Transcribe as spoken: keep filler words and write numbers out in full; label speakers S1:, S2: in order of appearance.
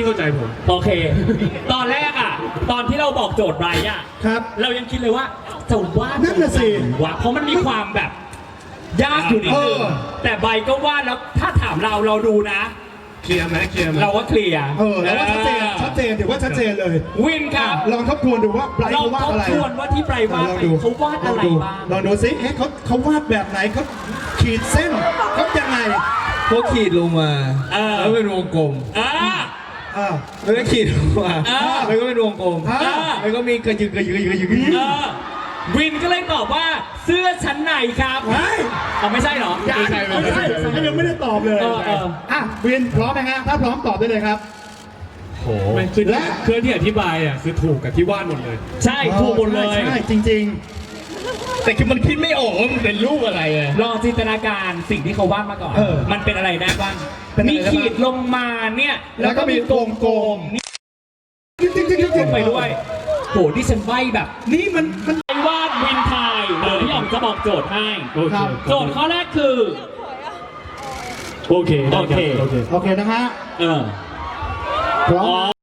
S1: เข้าใจผม
S2: โอเค ตอนแรกอ่ะ ตอนที่เราบอกโจทย์ไบรท์อ่ะ
S3: ครับ
S2: เรายังคิดเลยว่าจะวาด
S3: นั่นน่ะสิ
S2: วะเพราะมันมีความแบบ ยากอยู่นิดนึง
S3: เออ
S2: แต่ใบก็วาดแล้วถ้าถามเราเราดูนะ
S1: เคลียร์ไหมเคลียร์ไหม
S2: เราว่าเคลียร์
S3: เออแล้วว่าชัดเจนชัดเจนถือว่าชัดเจนเลย
S2: วินครับ
S3: ลองทบทวนดูว่าไบรท์
S2: ลอง
S3: เขาวาด
S2: ทบ
S3: อะไร
S2: ทวนว่าที่ไบรท์วาด
S3: ลอง
S2: ไป
S3: ดู
S2: เขาวาดอะไร
S3: ลงดู
S2: บ้าง
S3: ลองดูซิเอ๊ะเขาเขาวาดแบบไหนเขาขีดเส้นเขายังไง
S4: เขาขีดลงมา
S2: เออ
S4: แล้วเป็นวงกลม
S2: อ่า
S3: อ่า
S4: แล้วก็ขีดลงมา
S2: อ่า
S4: แล้วก็เป็นวงกลม
S3: อ่า
S4: แล้วก็มีกระยึกกระยึกกระยึกกระยึกกระยึก
S2: เออวินก็เลยตอบว่าเสื้อชั้นในครับ
S3: เฮ้ย
S2: อ๋อไม่ใช่เหรอ
S3: ยังไม่ใช่ไม่ใช่ยังไม่ได้ตอบเลย
S2: เออเออ
S3: อ่ะวินพร้อมไหมฮะถ้าพร้อมตอบได้เลยครับ
S1: โหไม่คือ
S3: และ
S1: เครื่องที่อธิบายอ่ะคือถูกกับที่วาดหมดเลย
S2: ใช่ถูกหมดเลย
S3: ใช่ใช่จริง
S4: แต่คือมันคิดไม่ออกว่ามันเป็นรูปอะไรไง
S2: ลองจินตนาการสิ่งที่เขาวาดมาก่อน
S3: เออ
S2: มันเป็นอะไรได้บ้าง
S3: เป็นอะไร
S2: มี
S3: ได้บ้าง
S2: ขีดลงมาเนี่ย
S3: แล้วก็มีวงกลม
S2: นี่
S3: ๆจริงจริงจริงจริง
S2: ลงไปด้วยโหที่ฉันใบแบบ
S3: นี่มันมัน
S2: ไอ้วาดวินไทยเดี๋ยวพี่หยองจะบอกโจทย์ให้
S1: โอเค
S3: ครับ
S2: โจทย์ข้อแรกคือ
S1: โอเคได้รับ
S2: โอเค
S1: โอเค
S3: โอเคนะฮะ
S2: เออ
S3: พร้อม
S2: อ๋อ